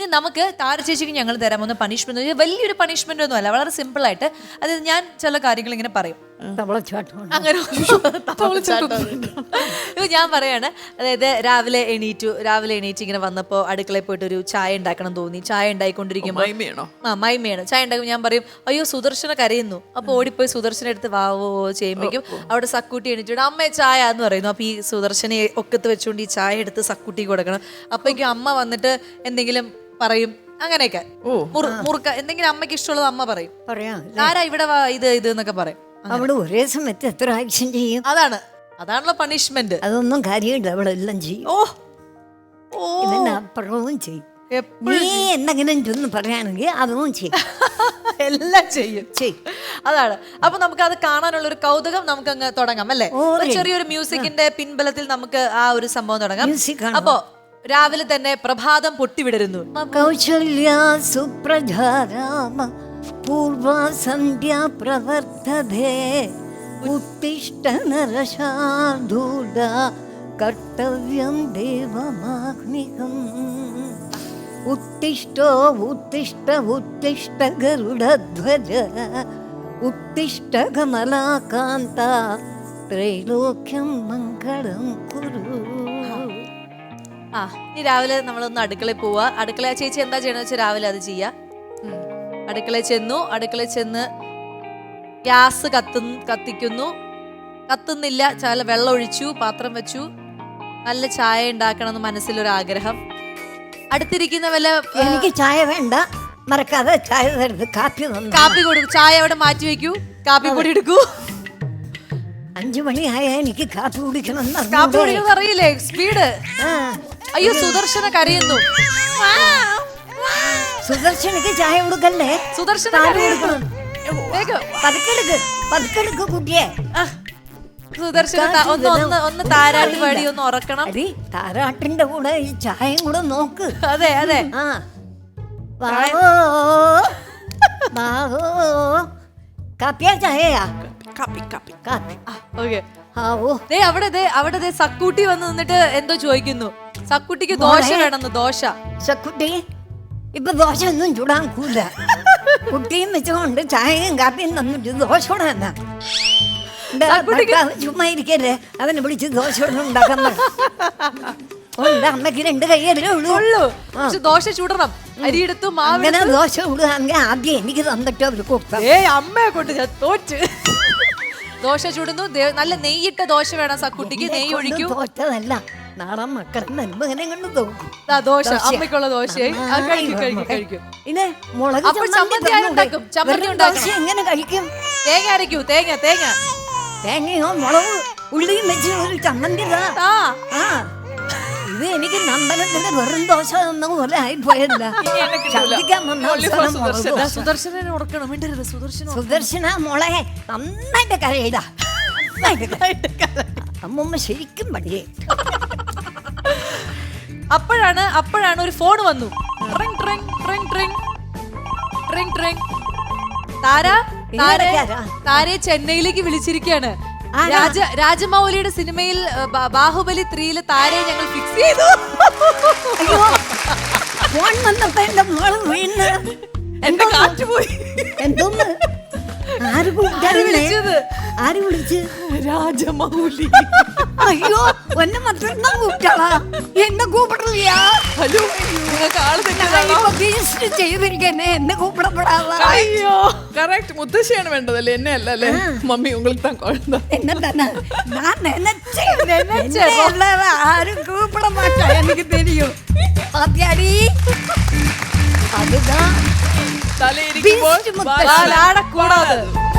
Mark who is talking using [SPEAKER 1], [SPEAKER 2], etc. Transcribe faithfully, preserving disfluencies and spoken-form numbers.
[SPEAKER 1] ഇനി നമുക്ക് താര ചേച്ചിക്ക് ഞങ്ങൾ തരാൻ പോകുന്ന പണിഷ്മെന്റ് വലിയൊരു പണിഷ്മെന്റ് ഒന്നും അല്ല, വളരെ സിമ്പിൾ ആയിട്ട്. അതായത് ഞാൻ ചില കാര്യങ്ങൾ ഇങ്ങനെ പറയും, അങ്ങനെ ഞാൻ പറയാണ്. അതായത് രാവിലെ എണീറ്റു രാവിലെ എണീറ്റ് ഇങ്ങനെ വന്നപ്പോൾ അടുക്കളയിൽ പോയിട്ട് ഒരു ചായ ഉണ്ടാക്കണം തോന്നി. ചായ ഉണ്ടായിക്കൊണ്ടിരിക്കുമ്പോൾ ആ മൈമയാണ് ചായ ഉണ്ടാക്കും. ഞാൻ പറയും അയ്യോ സുദർശന കരയുന്നു. അപ്പൊ ഓടിപ്പോയി സുദർശന എടുത്ത് വാവോ ചെയ്യുമ്പോഴേക്കും അവിടെ സക്കൂട്ടി എണീറ്റിട്ട് അമ്മേ ചായ എന്ന് പറയുന്നു. അപ്പൊ ഈ സുദർശനെ ഒക്കത്ത് വെച്ചുകൊണ്ട് ഈ ചായ എടുത്ത് സക്കൂട്ടി കൊടുക്കണം. അപ്പോഴേക്കും അമ്മ വന്നിട്ട് എന്തെങ്കിലും പറയും, അങ്ങനെയൊക്കെ മുറുക്ക എന്തെങ്കിലും അമ്മയ്ക്ക് ഇഷ്ടമുള്ളത് അമ്മ പറയും. ആരാ ഇവിടെ ഇത് ഇത് എന്നൊക്കെ പറയും.
[SPEAKER 2] അവിടെ ഒരേ സമയത്ത് എത്ര ആക്ഷൻ ചെയ്യും?
[SPEAKER 1] അതാണ് അതാണല്ലോ പണിഷ്മെന്റ്.
[SPEAKER 2] അതൊന്നും കാര്യമില്ല, അവളെല്ലാം ചെയ്യും.
[SPEAKER 1] ഓ
[SPEAKER 2] ഇതിനപ്പുറവും ചെയ്യും. നീ എന്തെങ്കിലും ചെന്ന് പറയുകയാണെങ്കിൽ അതും ചെയ്യും.
[SPEAKER 1] എല്ലാം ചെയ്യും ചെയ്യും അതാണ്. അപ്പൊ നമുക്ക് അത് കാണാനുള്ള ഒരു കൗതുകം നമുക്ക് അങ്ങ് തുടങ്ങാം അല്ലേ? ചെറിയൊരു മ്യൂസിക്കിന്റെ പിൻബലത്തിൽ നമുക്ക് ആ ഒരു സംഭവം തുടങ്ങാം. അപ്പോ രാവിലെ തന്നെ പ്രഭാതം പൊട്ടിവിടരുന്നു.
[SPEAKER 2] കൗശല്യ സുപ്രധാരാമ പൂർവ സന്ധ്യ പ്രവർത്തതേ ഉത്തിഷ്ഠ നരശാർദൂല കർത്തവ്യം ദേവമാഗ്നികം ഉത്തിഷ്ഠോ ഉത്തിഷ്ഠ ഉത്തിഷ്ഠ ഗരുഡധ്വജ ഉത്തിഷ്ഠ കമലാകാന്ത ത്രൈലോക്യം മംഗളം കുരു.
[SPEAKER 1] ആ ഇനി രാവിലെ നമ്മളൊന്ന് അടുക്കളയിൽ പോവാ. അടുക്കള ചേച്ചി എന്താ ചെയ്യണമെന്ന് വെച്ചാൽ രാവിലെ അത് ചെയ്യാ. അടുക്കളയിൽ ചെന്നു. അടുക്കളയിൽ ചെന്ന് ഗ്യാസ് കത്തു കത്തിക്കുന്നു കത്തുന്നില്ല. ചാല വെള്ളം ഒഴിച്ചു, പാത്രം വെച്ചു, നല്ല ചായ ഉണ്ടാക്കണമെന്ന് മനസ്സിലൊരാഗ്രഹം. അടുത്തിരിക്കുന്ന വല്ല
[SPEAKER 2] എനിക്ക് ചായ വേണ്ട, മറക്കാതെ ചായ തരുത്, കാപ്പി
[SPEAKER 1] കാപ്പി കൊടുക്കും. ചായ അവിടെ മാറ്റി വെക്കൂ, കാപ്പി പൊടി എടുക്കൂ.
[SPEAKER 2] അഞ്ചു മണിയായ എനിക്ക് കാപ്പി കുടിക്കണം.
[SPEAKER 1] കാപ്പി കുടിക്കണം അറിയില്ലേ? സ്പീഡ്. അയ്യോ സുദർശന കരയുന്നു.
[SPEAKER 2] സുദർശനക്ക് ചായ കൊടുക്കല്ലേ?
[SPEAKER 1] സുദർശന
[SPEAKER 2] പതുക്കെടുക്ക് പതുക്കെടുക്ക് കുട്ടിയെ.
[SPEAKER 1] സുദർശന ഒന്ന് ഒന്ന് ഒന്ന് താരാട്ട് പാടി ഒന്ന് ഉറക്കണം.
[SPEAKER 2] താരാട്ടിന്റെ കൂടെ ഈ ചായയും കൂടെ നോക്ക്.
[SPEAKER 1] അതെ അതെ.
[SPEAKER 2] ആ വാവോ വാവോ കാപ്പിയാ ചായയാ? കാപ്പി കാപ്പി കാപ്പി.
[SPEAKER 1] ഓക്കെ.
[SPEAKER 2] ആവോ
[SPEAKER 1] ദേ അവിടെ ദേ അവിടെ ദേ സക്കൂട്ടി വന്ന് നിന്നിട്ട് എന്തോ ചോദിക്കുന്നു. സക്കുട്ടിക്ക് ദോശ വേണമെന്ന്. ദോശ.
[SPEAKER 2] സക്കുട്ടി ഇപ്പൊ ദോശ ഒന്നും ചൂടാൻ കൂല. കുട്ടിയും വെച്ചുകൊണ്ട് ചായയും കാപ്പിയും തന്നിട്ട് ദോശ കൂടാ. ചുമ്മാ ഇരിക്കല്ലേ, അവനെ വിളിച്ച് ദോശ ഉണ്ടാക്കാൻ അമ്മക്ക് രണ്ട് കൈയല്ലേ ഉള്ളൂ.
[SPEAKER 1] ദോശ ചൂടണം. അരിയെടുത്തു
[SPEAKER 2] അങ്ങനെ ദോശ ചൂടുകയാണെങ്കിൽ ആദ്യം എനിക്ക് തന്നിട്ട് അവർ കൊടുക്കാം.
[SPEAKER 1] ഏ അമ്മയെ കൊണ്ട് ഞാൻ തോറ്റ്. ദോശ ചൂടുന്നു. നല്ല നെയ്യിട്ട ദോശ വേണം സക്കുട്ടിക്ക്. നെയ്യ് ഒഴിക്കും.
[SPEAKER 2] തോറ്റതല്ല, നാടൻ മക്കളെ നന്മകനെ കൊണ്ട് തോക്കും.
[SPEAKER 1] ദോശ അമ്മയ്ക്കുള്ള ദോശയായി കഴിക്കും.
[SPEAKER 2] പിന്നെ മുളക്
[SPEAKER 1] ചമ്മന്തി ഉണ്ടാക്കും.
[SPEAKER 2] എങ്ങനെ കഴിക്കും?
[SPEAKER 1] തേങ്ങ അരയ്ക്കൂ. തേങ്ങ തേങ്ങ
[SPEAKER 2] തേങ്ങയോ മുളക് ഉള്ളിയും വെച്ച് ഒരു ചമ്മന്തി. ഇത് എനിക്ക് നന്ദനത്തിന്റെ വെറും ദോശ തന്ന പോലെ ആയിപ്പോയല്ല. സുദർശന മോളെ നന്നായിട്ട് കരയിട. അമ്മൂമ്മ ശരിക്കും പടിയേ.
[SPEAKER 1] അപ്പോഴാണ് അപ്പോഴാണ് ഒരു ഫോൺ വന്നു. ട്രിങ് ട്രിങ് ട്രിങ് ട്രിങ് ട്രിങ് ട്രിങ്. താര താരയെ ചെന്നൈയിലേക്ക് വിളിച്ചിരിക്കുകയാണ്. രാജ രാജമൗലിയുടെ സിനിമയിൽ ബാഹുബലി ത്രീയില് താരയെ ഞങ്ങൾ ഫിക്സ് ചെയ്തു.
[SPEAKER 2] ഫോൺ വന്നപ്പോ എന്റെ മോള് വീണ്
[SPEAKER 1] എന്റെ കാറ്റ് പോയി.
[SPEAKER 2] എന്തോന്ന്? ആര് വിളിച്ചത്? ആര് വിളിച്ച്?
[SPEAKER 1] രാജമൗലി.
[SPEAKER 2] അയ്യോ ഒന്നെ മറ്റൊന്നാ കൂപ്പിട്ടാളാ. എന്നെ കൂപ്പിടില്ല.
[SPEAKER 1] ഹലോ
[SPEAKER 2] ചെയ്തിരിക്കന്നെ എന്നെ കൂപ്പിടപ്പെടാ.
[SPEAKER 1] അയ്യോ കറക്റ്റ് മുത്തശ്ശിയാണ് വേണ്ടതല്ലേ, എന്നെ അല്ല അല്ലേ? മമ്മി உங்களுக்கு தான் குழந்தை.
[SPEAKER 2] என்ன தான நான் நினைச்சேன் நினைச்சேன் ஆരും கூப்பிட மாட்டா எனக்கு தெரியும். பாத்தியாடி அதுதான்
[SPEAKER 1] தலை இருக்கு போய் வாலாட கூடாது.